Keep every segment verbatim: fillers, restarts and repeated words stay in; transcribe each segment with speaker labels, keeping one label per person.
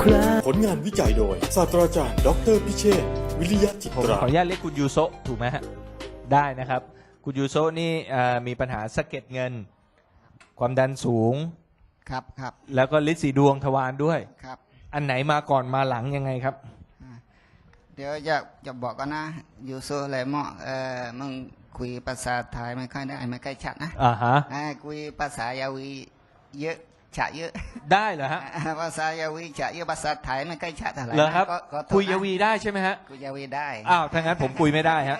Speaker 1: ครา
Speaker 2: ผลงานวิจัยโดยศาสตราจารย์ดออเตอร์พิเชษฐ์วิริยะจิต
Speaker 3: ผม
Speaker 2: รา
Speaker 3: ขออนุญาตเรียกคุณยูโซะถูกไหมฮะได้นะครับ คุณยูโซะนี่เอ่อมีปัญหาสะเก็ดเงิน ความดันสูง
Speaker 4: ครับครับ
Speaker 3: แล้วก็ฤทธิ์สีดวงทวารด้วย
Speaker 4: ครับ
Speaker 3: อันไหนมาก่อนมาหลังยังไงครับ
Speaker 4: เดี๋ยวจะจะบอกกันนะอยู่โซอะไรเหมาะเออมึงคุยภาษาไทยไม่ค่อยได้ไม่ค่อยชัดนะ
Speaker 3: อ่าฮะ
Speaker 4: อ่าคุยภาษายาวีเยอะฉะเยอะ
Speaker 3: ได้เหรอฮะ
Speaker 4: ภาษายาวีฉะเยอะภาษาไทยไม่ค่อยชัดเท่าไหร่
Speaker 3: เหรอครับ
Speaker 4: นะก็ก็โทษนะ
Speaker 3: คุยยาวีได้ใช่ไหมฮะ
Speaker 4: คุยยาวีได้
Speaker 3: อ้าวถ้างั้นผมคุยไม่ได้ฮะ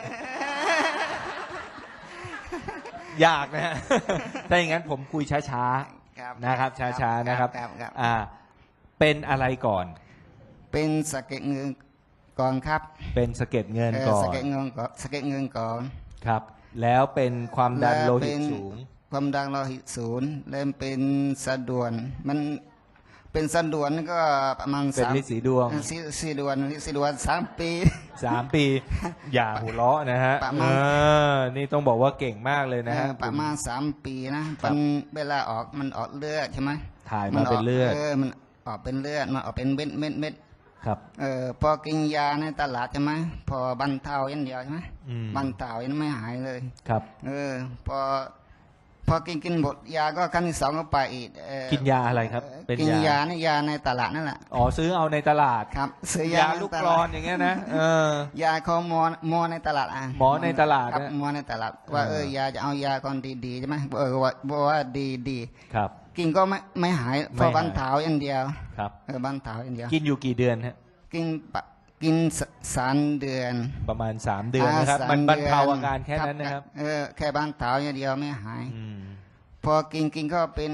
Speaker 3: ยากนะฮะ ถ้าอย่างนั้นผมคุยช้า
Speaker 4: ครับ
Speaker 3: ๆนะครับ ช้าๆนะครับ
Speaker 4: ครับครับ
Speaker 3: อ่า เป็นอะไรก่อน
Speaker 4: เป็นสะเก็ดเงินก่อนครับ
Speaker 3: เป็นสะเก็ดเงิน
Speaker 4: เออ
Speaker 3: ก่อ
Speaker 4: สะ
Speaker 3: น
Speaker 4: เก็ดเงินก่อนสะเก็ดเงินก่อน
Speaker 3: ครับ แล้วเป็นความดันโลหิต
Speaker 4: แวเป็น
Speaker 3: สูง
Speaker 4: ความดันโลหิตสูงเริ่มเป็นสะดวน มันเป็นสะดวนก็ประมาณ
Speaker 3: เป็น
Speaker 4: สาม
Speaker 3: ฤทธิ์สีดวง
Speaker 4: สีสีดวนสีดวนสามปี
Speaker 3: สามปี อย่าหัวเราะนะฮะ
Speaker 4: ประ
Speaker 3: เอ
Speaker 4: มาณ
Speaker 3: อนี่ต้องบอกว่าเก่งมากเลยนะฮะ
Speaker 4: เออประมาณสามปีนะมันเวลาออกมันออกเลือดใช่ไหม
Speaker 3: ถ่ายมาเป็นเลือด
Speaker 4: เออมันออกเป็นเลือดมันออกเป็นเม็ดเม็ดเม็ด
Speaker 3: ครับ
Speaker 4: เออพอกินยาในตลาดใช่ไหมพอบรรเทาอย่างเดียวใช่ไหม
Speaker 3: อืม
Speaker 4: บรรเทายังไม่หายเลย
Speaker 3: ครับ
Speaker 4: เออพอพอกินกินหมดยาก็ครั้งที่สองก็ไปอีกเออ
Speaker 3: กินยาอะไรครับ เป็น
Speaker 4: กิน
Speaker 3: ยาย
Speaker 4: านี่ยาในตลาดนั่นแหละ
Speaker 3: อ๋อซื้อเอาในตลาด
Speaker 4: ครับซื้อยาย
Speaker 3: าลูกกรอนอย่างเงี้ยนะเออ
Speaker 4: ยาเขาหมอหมอในตลาดอ่ะ
Speaker 3: หมอในตลาด
Speaker 4: ครับ
Speaker 3: นะ
Speaker 4: หมอในตลาดว่า
Speaker 3: เออ
Speaker 4: เออยาจะเอายาก่อนดีๆใช่ไหมเออว่าบอกว่าดีดี
Speaker 3: ครับ
Speaker 4: กินก็ไม่ไม่หาย
Speaker 3: ไม่
Speaker 4: พอ
Speaker 3: หาย
Speaker 4: บรรเทาอย่างเดียว
Speaker 3: ครับ
Speaker 4: เออบรรเทาอย่างเดียว
Speaker 3: กินอยู่กี่เดือนฮะ
Speaker 4: กินปะกินสสามเดือน
Speaker 3: ประมาณสามเดือนนะครับ
Speaker 4: า
Speaker 3: มัน
Speaker 4: ส
Speaker 3: บรรเทา
Speaker 4: ดื
Speaker 3: อาการแค่นั้นนะครับ
Speaker 4: เออแค่บรรเทาอย่างเดียวไม่หาย
Speaker 3: อืม
Speaker 4: พอกินกินก็เป็น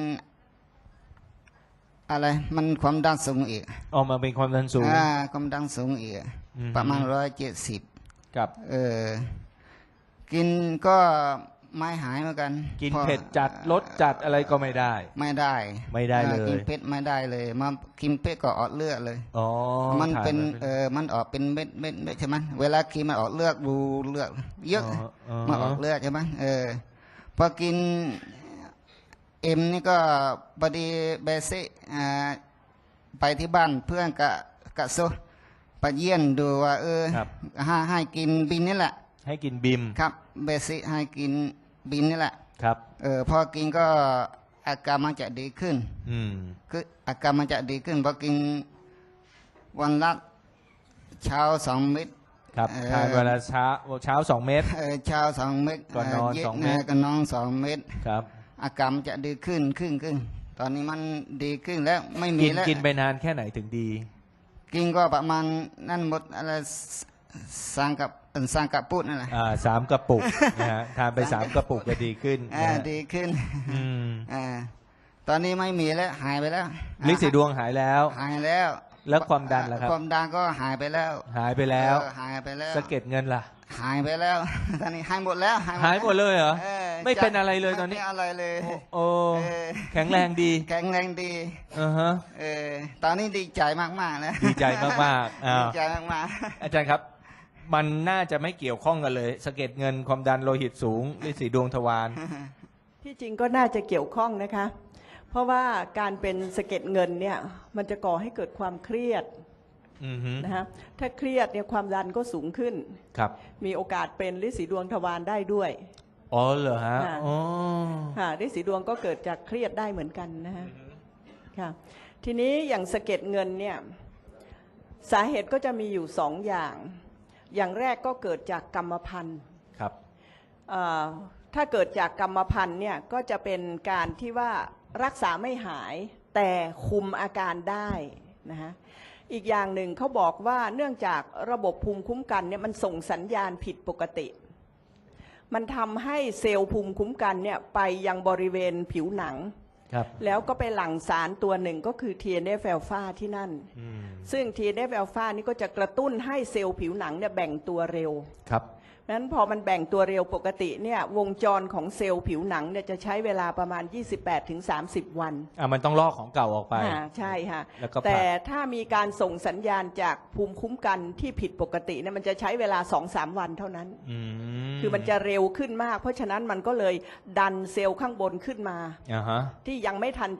Speaker 4: อะไร มันความดันสูงอีก
Speaker 3: ออกมาเป็นความดันสูง
Speaker 4: อ่าความดันสูงอีก
Speaker 3: อืม
Speaker 4: ประมาณร้อยเจ็ดสิบ
Speaker 3: กับ
Speaker 4: เออ กินก็ไม่หายเหมือนกัน
Speaker 3: กิน
Speaker 4: พอ
Speaker 3: เผ็ดจัดรสจัดอะไรก็ไม่ได้
Speaker 4: ไม่ได้
Speaker 3: ไม่ได้เลย
Speaker 4: อ่ากินเผ็ดไม่ได้เลยมากินเผ็ดก็ออกเลือดเลย
Speaker 3: อ๋อ
Speaker 4: มัน
Speaker 3: ถ่าย
Speaker 4: เป็น
Speaker 3: มา
Speaker 4: เออมันออกเป็นเม็ดเม็ดเม็ดใช่ไหมเวลากินมันออกเลือดบูเลือดเยอะ
Speaker 3: อ๋อ
Speaker 4: มาออกเลือดใช่ไหมเออพอกินเอ็มนี่ก็พอดีเบสิอ่าไปที่บ้านเพื่อนกะกะโซไปเยี่ยนดูว่า เออ
Speaker 3: ครับ
Speaker 4: ให้ให้กินบินนี่แหละ
Speaker 3: ให้กินบิม
Speaker 4: ครับเบสิให้กินบินนี่แหละ
Speaker 3: ครับ
Speaker 4: เออพอกินก็อาการมันจะดีขึ้น
Speaker 3: อืม
Speaker 4: คืออาการมันจะดีขึ้นพอกินวันละเช้าสองเม็ด
Speaker 3: ครับ
Speaker 4: เอ่อ
Speaker 3: ทานเวลาเช้าเช้าสองเม็ด
Speaker 4: เออเช้าสองเม็ด
Speaker 3: ก่อนนอน
Speaker 4: ย็
Speaker 3: สองเม็ด
Speaker 4: ก่อนนอนสองเม็ด
Speaker 3: ครับ
Speaker 4: อาการมันจะดีขึ้นขึ้นขึ้น ตอนนี้มันดีขึ้นแล้วไม่มี
Speaker 3: กิน
Speaker 4: แล้ว
Speaker 3: กินไปนานแค่ไหนถึงดี
Speaker 4: กินก็ประมาณนั่นหมดอะไรสร้างกับเอิ่นสร้างกับปุดนั่นแหละ
Speaker 3: อ่าสามกระปุก นะฮะทานไปสามกระปุกก็ดีขึ้น
Speaker 4: อ่า
Speaker 3: นะฮะ
Speaker 4: ดีขึ้น
Speaker 3: อืม
Speaker 4: อ่าตอนนี้ไม่มีแล้วหายไปแล้ว
Speaker 3: ลิสีดวงหายแล้ว
Speaker 4: หายแล้ว
Speaker 3: แล้วความดันล่ะครับ
Speaker 4: ความดันก็หายไปแล้ว
Speaker 3: หายไปแล้ว
Speaker 4: เออหายไปแล้ว
Speaker 3: สะเก็ดเงินล่ะ
Speaker 4: หายไปแล้ว ตอนนี้หายหมดแล้ว
Speaker 3: หายหมดเลยเหรอ
Speaker 4: ออ
Speaker 3: ไม่เป็นอะไรเลยตอนนี้
Speaker 4: ไม่เป็นอะไรเลย
Speaker 3: โอ้
Speaker 4: เออ
Speaker 3: แข็งแรงดี
Speaker 4: แข็งแรงดี
Speaker 3: อ่าฮะ
Speaker 4: เออตอนนี้ดีใจมากๆนะ
Speaker 3: ดีใจมากๆอ้าว
Speaker 4: ดีใจมาก
Speaker 3: อาจารย์ครับ มันน่าจะไม่เกี่ยวข้องกันเลยสะเก็ดเงินความดันโลหิตสูงลิสีดวงทวาร
Speaker 5: ที่จริงก็น่าจะเกี่ยวข้องนะคะ เพราะว่าการเป็นสะเก็ดเงินเนี่ยมันจะก่อให้เกิดความเครียด
Speaker 3: อือฮึ
Speaker 5: นะคะถ้าเครียดเนี่ยความดันก็สูงขึ้น
Speaker 3: ครับ
Speaker 5: มีโอกาสเป็นฤทธิ์สีดวงทวารได้ด้วย
Speaker 3: อ๋อเหรอฮะ
Speaker 5: ค่ะ
Speaker 3: อ๋อ
Speaker 5: ค่ะฤทธิ์สีดวงก็เกิดจากเครียดได้เหมือนกันนะคะค่ะทีนี้อย่างสะเก็ดเงินเนี่ยสาเหตุก็จะมีอยู่สองอย่าง อย่างแรกก็เกิดจากกรรมพันธุ์
Speaker 3: ครับ
Speaker 5: เอ่อถ้าเกิดจากกรรมพันธุ์เนี่ยก็จะเป็นการที่ว่ารักษาไม่หายแต่คุมอาการได้นะฮะอีกอย่างหนึ่งเขาบอกว่าเนื่องจากระบบภูมิคุ้มกันเนี่ยมันส่งสัญญาณผิดปกติ มันทำให้เซลล์ภูมิคุ้มกันเนี่ยไปยังบริเวณผิวหนัง
Speaker 3: ครับ
Speaker 5: แล้วก็ไปหลั่งสารตัวหนึ่งก็คือ ที เอ็น เอฟ อลฟา ที่นั่น
Speaker 3: อืม
Speaker 5: ซึ่ง ที เอ็น เอฟ อลฟา นี่ก็จะกระตุ้นให้เซลล์ผิวหนังเนี่ยแบ่งตัวเร็ว
Speaker 3: ครับ
Speaker 5: นั้นพอมันแบ่งตัวเร็วปกติเนี่ยวงจรของเซลล์ผิวหนังเนี่ยจะใช้เวลาประมาณ ยี่สิบแปดถึงสามสิบ วัน
Speaker 3: อ่ะมันต้องลอกของเก่าออกไป
Speaker 5: อ่าใช่ค่ะ
Speaker 3: แล้วก็ผลัก
Speaker 5: แต่ถ้ามีการส่งสัญญาณจากภูมิคุ้มกันที่ผิดปกติเนี่ยมันจะใช้เวลา สองถึงสาม วันเท่านั้น
Speaker 3: อืม
Speaker 5: คือมันจะเร็วขึ้นมาก เพราะฉะนั้นมันก็เลยดันเซลล์ข้างบนขึ้นมา
Speaker 3: อ่าฮะ
Speaker 5: ที่ยังไม่ทันจะ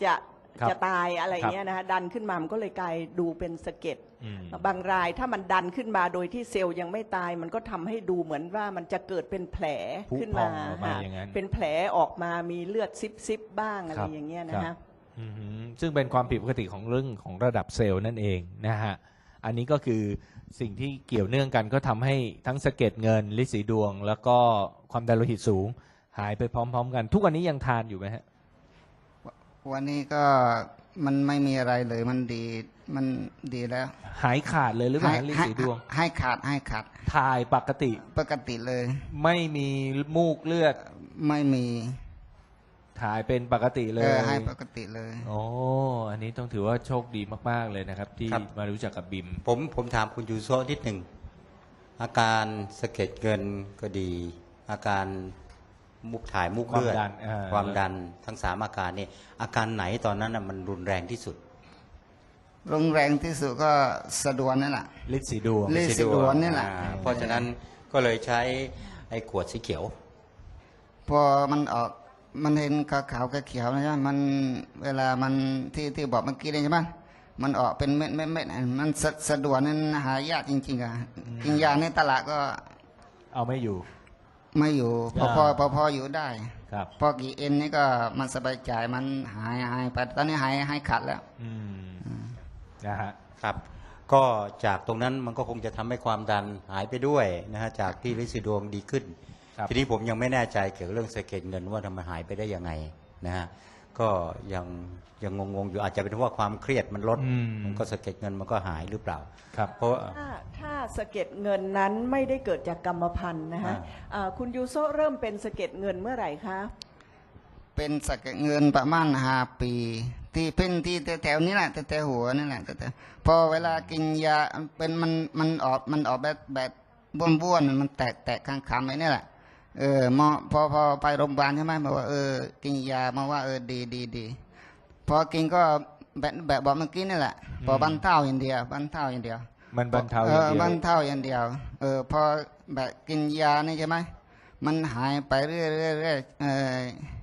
Speaker 3: ครับ
Speaker 5: จะตายอะไร
Speaker 3: ครับ
Speaker 5: เงี้ยนะคะดันขึ้นมามันก็เลยกลายดูเป็นสะเก็ด
Speaker 3: อืม
Speaker 5: บางรายถ้ามันดันขึ้นมาโดยที่เซลล์ยังไม่ตาย มันก็ทำให้ดูเหมือนว่ามันจะเกิดเป็นแผล
Speaker 3: ผุ
Speaker 5: ขึ้น
Speaker 3: พอ
Speaker 5: มาง
Speaker 3: ออกมา
Speaker 5: ค่ะ
Speaker 3: อย่างนั้น
Speaker 5: เป็นแผลออกมามีเลือดซิบซิบๆบ้างอะไร
Speaker 3: ครับ
Speaker 5: อย่างเงี้ย
Speaker 3: ครั
Speaker 5: นะ
Speaker 3: บ
Speaker 5: คะ
Speaker 3: อือหือซึ่งเป็นความผิดปกติของเรื่องของระดับเซลล์นั่นเองนะฮะ อันนี้ก็คือสิ่งที่เกี่ยวเนื่องกันก็ทำให้ทั้งสะเก็ดเงินลินสีดวง แล้วก็ความดันโลหิตสูง หายไปพร้อม ๆ กัน ทุกวันนี้ยังทานอยู่ไหมฮะ
Speaker 4: วันนี้ก็มันไม่มีอะไรเลยมันดีมันดีแล้ว
Speaker 3: หายขาดเลยหรือเปล่าฮะลิน
Speaker 4: ให้
Speaker 3: สีดวง
Speaker 4: ให้ขาดให้ขาด
Speaker 3: ถ่ายปกติ
Speaker 4: ปกติเลย
Speaker 3: ไม่มีมูกเลือด
Speaker 4: ไม่มี
Speaker 3: ถ่ายเป็นปกติเล
Speaker 4: เอย อให้ปกติเลย
Speaker 3: โอ้อันนี้ต้องถือว่าโชคดีมากๆเลยนะครับ ที่
Speaker 1: ครับ
Speaker 3: มารู้จักกับบิม
Speaker 1: ผมผมถามคุณยูโซะนิดหนึ่งอาการสะเก็ดเงินก็ดี อาการมุกถ่ายมุกเลือด
Speaker 3: ความดันอ่า
Speaker 1: ความดันทั้งสามอาการนี่อาการไหนตอนนั้นน่ะมันรุนแรงที่สุด
Speaker 4: โรงแรงที่สุดก็สะดวนนั่นแหละ
Speaker 3: ลินสีดวง
Speaker 4: ลินสีดวงนี่แหละ
Speaker 1: อ่าเพราะฉะนั้นก็เลยใช้ไอ้ขวดสีเขียว
Speaker 4: พอมันออกมันเห็นขาวขาวๆเขียวๆนะใช่ไหมมันเวลามันที่ที่บอกเมื่อกี้นี่ใช่ไหมมันออกเป็นเม็ดเม็ดเม็ดมันสะสะดวนนั้นหายากจริงๆอ่ะกินยาในตลาดก็
Speaker 3: เอาไม่อยู่
Speaker 4: ไม่อยู่พอพอ
Speaker 3: อ่า
Speaker 4: พอพออยู่ได้
Speaker 3: ครับ
Speaker 4: พอกี่เอ็นนี่ก็มันสบายใจมันหายหายไปตอนนี้หายหายขาดแล้ว
Speaker 3: อืมนะฮะ
Speaker 1: ครับ ก็จากตรงนั้นมันก็คงจะทำให้ความดันหายไปด้วยนะฮะจากที่ลินสีดวงดีขึ้น
Speaker 3: ครับ
Speaker 1: ทีนี้ผมยังไม่แน่ใจเกี่ยวกับเรื่องสะเก็ดเงินว่าทำไมหายไปได้ยังไงนะฮะก็ยังยังงงๆอยู่อาจจะเป็นเพราะว่าความเครียดมันลด
Speaker 3: อืม
Speaker 1: มันก็สะเก็ดเงินมันก็หายหรือเปล่า
Speaker 3: ครับ
Speaker 1: เพราะว่า
Speaker 5: ถ้าถ้าสะเก็ดเงินนั้นไม่ได้เกิดจากกรรมพันธุ์นะคะ
Speaker 1: อ่า
Speaker 5: อ่าคุณยูโซะเริ่มเป็นสะเก็ดเงินเมื่อไหร่คะ
Speaker 4: เป็นสะเก็ดเงินประมาณห้าปี ที่เป็นที่แถวๆนี้แหละแถวๆหัวนี่แหละแต่พอเวลากินยาเป็นมันมันออกมันออกแบบแบบบ้วนๆมันแตกแตกข้างคำไอ้นี่แหละเออหมอพอพอไปโรงพยาบาลใช่ไหมบอกว่าเออกินยามาว่าเออดีดีดีพอกินก็แบบแบบบอกเมื่อกี้นี่แหละ พอบรรเทาอย่างเดียวบรรเทาอย่างเดียว
Speaker 3: มันบรรเทาอย่างเดียว
Speaker 4: บรรเทาอย่างเดียว เออพอแบบกินยานี่ใช่ไหมมันหายไปเรื่อยๆเรื่อยๆเออ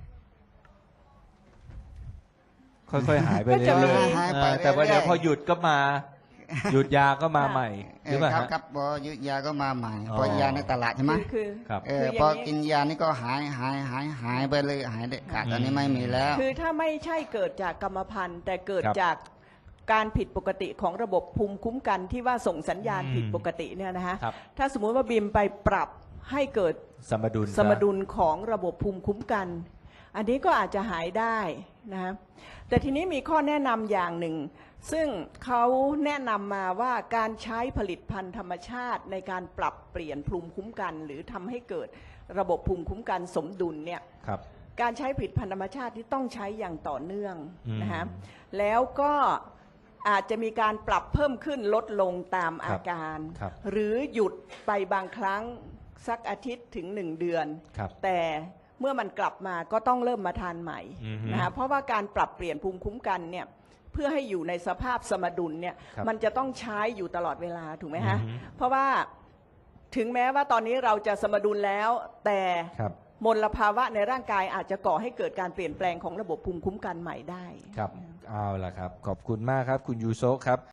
Speaker 3: ค่อยๆ หายไป
Speaker 5: ก็
Speaker 3: เรื่
Speaker 5: จะมี
Speaker 3: อยๆ
Speaker 4: หายไป
Speaker 3: เออแต่ว่า
Speaker 4: เรื่อยๆ
Speaker 3: เดี๋ยวพอหยุดก็มา หยุดยาก็มาใหม่ห
Speaker 4: เอ
Speaker 3: รือ
Speaker 4: อ
Speaker 3: เปล่า
Speaker 4: ครับ
Speaker 3: ฮะ
Speaker 4: ครับพอหยุดยาก็มาใหม่
Speaker 3: อ๋อ
Speaker 4: พอยาในตลาดใช่ไหม
Speaker 5: คือคือ
Speaker 3: ครับ
Speaker 4: เออ
Speaker 5: คืออย่างนี้
Speaker 4: พอกินยานี่ก็หายหายหายหายไปเลยหายเด็ดขาดตอนนี้ไม่มีแล้ว
Speaker 5: คือถ้าไม่ใช่เกิดจากกรรมพันธุ์ แต่เกิด
Speaker 3: ครับ
Speaker 5: จากการผิดปกติของระบบภูมิคุ้มกันที่ว่าส่งสัญญาณ
Speaker 3: อืม
Speaker 5: ผิดปกติเนี่ยนะฮะ
Speaker 3: ครับ
Speaker 5: ถ้าสมมุติว่าบิมไปปรับให้เกิด
Speaker 3: สมดุล
Speaker 5: สมดุลของระบบภูมิคุ้มกัน อันนี้ก็อาจจะหายได้นะฮะแต่ทีนี้มีข้อแนะนำอย่างหนึ่ง ซึ่งเขาแนะนำมาว่าการใช้ผลิตภัณฑ์ธรรมชาติในการปรับเปลี่ยนภูมิคุ้มกัน หรือทำให้เกิดระบบภูมิคุ้มกันสมดุลเนี่ย
Speaker 3: ครับ
Speaker 5: การใช้ผลิตภัณฑ์ธรรมชาติที่ต้องใช้อย่างต่อเนื่อง
Speaker 3: อืม
Speaker 5: นะฮะแล้วก็อาจจะมีการปรับเพิ่มขึ้นลดลงตามอาการ
Speaker 3: ครับ
Speaker 5: หรือหยุดไปบางครั้งสักอาทิตย์ถึงหนึ่งเดือน
Speaker 3: ครับ
Speaker 5: แต่เมื่อมันกลับมาก็ต้องเริ่มมาทานใหม่
Speaker 3: อือฮึ
Speaker 5: นะฮะเพราะว่าการปรับเปลี่ยนภูมิคุ้มกันเนี่ยเพื่อให้อยู่ในสภาพสมดุลเนี่ย
Speaker 3: ครับ
Speaker 5: มันจะต้องใช้อยู่ตลอดเวลาถูกไหมฮะ
Speaker 3: อือฮึ
Speaker 5: เพราะว่าถึงแม้ว่าตอนนี้เราจะสมดุลแล้วแต่
Speaker 3: ครับ
Speaker 5: มลภาวะในร่างกายอาจจะก่อให้เกิดการเปลี่ยนแปลงของระบบภูมิคุ้มกันใหม่ได้
Speaker 3: ครับ เอาล่ะครับ ขอบคุณมากครับ คุณยูโซะครับ